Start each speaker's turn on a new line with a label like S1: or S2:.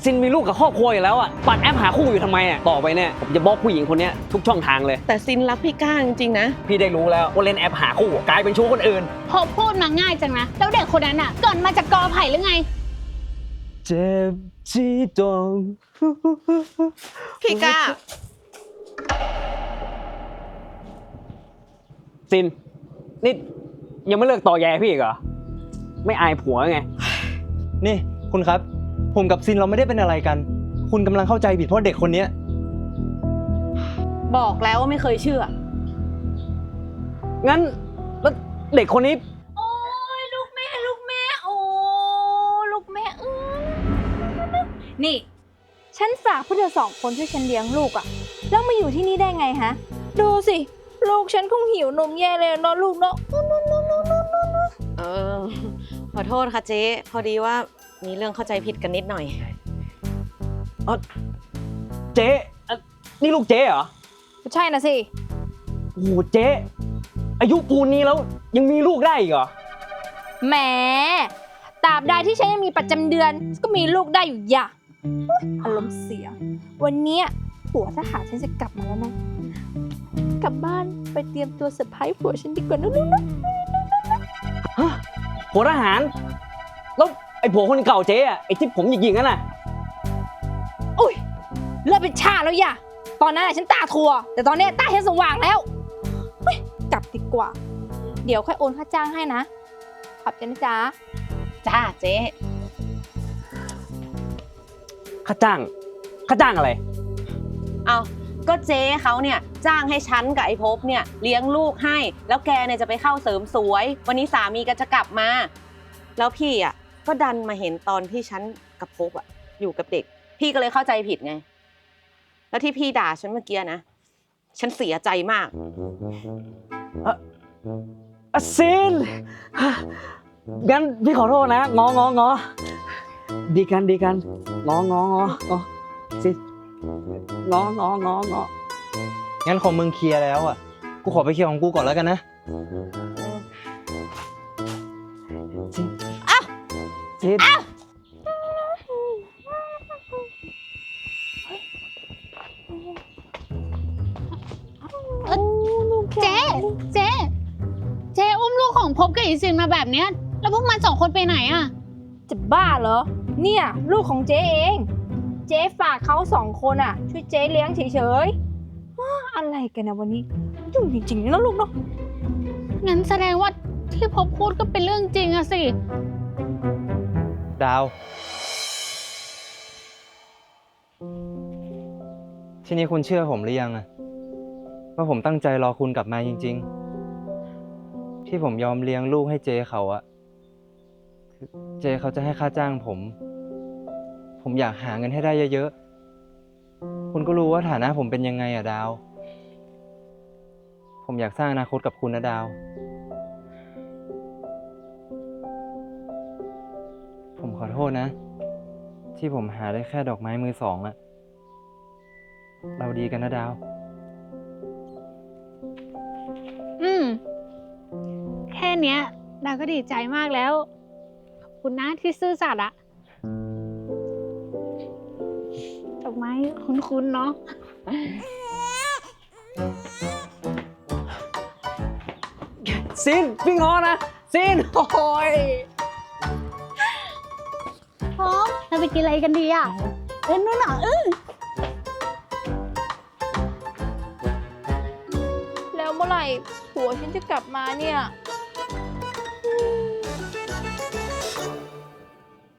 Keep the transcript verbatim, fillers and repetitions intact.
S1: ซินมีลูกกับครอบครัวอยู่แล้วอ่ะปัดแอปหาคู่อยู่ทำไมอ่ะต่อไปเนี่ยผมจะบล็อกผู้หญิงคนนี้ทุกช่องทางเลย
S2: แต่ซินรักพี่ก้าจริงๆนะ
S1: พี่ได้รู้แล้วว่าเล่นแอปหาคู่กลายเป็นชู้คนอื่น
S3: พอพูดมาง่ายจังนะแล้วเด็กคนนั้นอ่ะเกิดมาจากกอไผ่หรือไง
S1: เจ็บที่ตรง
S2: พี่ก้า
S1: ซินนี่ยังไม่เลิกต่อแย่พี่อีกเหรอไม่อายผัวไง
S4: นี่คุณครับผมกับซินเราไม่ได้เป็นอะไรกันคุณกำลังเข้าใจผิดเพราะเด็กคนนี้
S2: บอกแล้วว่าไม่เคยเชื่อ
S1: งั้นแล้วเด็กคนนี้
S3: โอ้ยลูกแม่ลูกแม่โอ้ลูกแม่เออนี่ฉันฝากพวกเธอสองคนช่วยฉันเลี้ยงลูกอะแล้วมาอยู่ที่นี่ได้ไงฮะดูสิลูกฉันคงหิวนมแย่เลยเนาะลูกเนาะ
S2: เออขอโทษค่ะเจ๊พอดีว่ามีเรื่องเข้าใจผิดกันนิดหน่อย
S1: เออเจ๊นี่ลูกเจ๊เหรอ
S3: ใช่นะสิ
S1: โอ้โหเจ๊อายุปูนนี้แล้วยังมีลูกได้อีกเหรอ
S3: แหมตราบใดที่ฉันยังมีประจำเดือนก็มีลูกได้อยู่อย่าอารมณ์เสียวันนี้ผัวทหารฉันจะกลับมาแล้วนะกลับบ้านไปเตรียมตัวเซอร์ไพรส์ผัวฉันดีกว่านะลูกนะ
S1: ฮะผัวทหารแล้วไอ้ผัวคนเก่าเจ๊อะไอ้ที่ผมหยิกๆนั่นน่ะ
S3: อุ้ยเลิกเป็นชาแล้วอย่าตอนนั้นฉันตาทัวแต่ตอนนี้ตาฉันสว่างแล้วกลับดีกว่าเดี๋ยวค่อยโอนค่าจ้างให้นะขอบใจนะจ๊ะ
S2: จ้าเจ๊
S1: ค่าจ้างค่าจ้างอะไร
S2: เอาก็เจ๊เขาเนี่ยจ้างให้ฉันกับไอ้ภพเนี่ยเลี้ยงลูกให้แล้วแกเนี่ยจะไปเข้าเสริมสวยวันนี้สามีก็จะกลับมาแล้วพี่อ่ะก็ดันมาเห็นตอนที่ฉันกับภพอ่ะอยู่กับเด็กพี่ก็เลยเข้าใจผิดไงแล้วที่พี่ด่าฉันเมื่อกี้นะฉันเสียใจมาก
S1: อะซินงั้นพี่ขอโทษนะงององอดีกันดีกันงองององอซินงองององอ
S4: งั้นของมึงเคลียร์แล้วอ่ะกูขอไปเคลียร์ของกูก่อนแล้วกันนะ
S1: ซินอ้าวซิน
S3: เจ๊เจ๊เจ๊อุ้มลูกของภพกับอีซินมาแบบเนี้ยแล้วพวกมันสองคนไปไหนอะจะบ้าเหรอเนี่ยลูกของเจ๊เองเจ๊ฝากเขาสองคนอะช่วยเจ๊เลี้ยงเฉยๆอะไรกันนะวันนี้ยุ่งจริงๆนะลูกเนาะงั้นแสดงว่าที่ภพพูดก็เป็นเรื่องจริงอะสิ
S4: ดาวทีนี้คุณเชื่อผมหรือยังอะว่าผมตั้งใจรอคุณกลับมาจริงๆที่ผมยอมเลี้ยงลูกให้เจเขาอะคือเจเขาจะให้ค่าจ้างผมผมอยากหาเงินให้ได้เยอะๆคุณก็รู้ว่าฐานะผมเป็นยังไงอะดาวผมอยากสร้างอนาคตกับคุณนะดาวผมขอโทษนะที่ผมหาได้แค่ดอกไม้มือสองอะเราดีกันนะดาว
S3: อืมแค่เนี้ยดาวก็ดีใจมากแล้วขอบคุณนะที่ซื่อสัตย์อะดอกไม้คุ้นๆเนาะ
S1: ซินพี่งอนะซินโอ้ย
S3: พร้อมเราไปกินอะไรกันดีอะเอ้ยนู่นน่ะเออแล้วเมื่อไหร่ผัวฉันจะกลับมาเนี่ย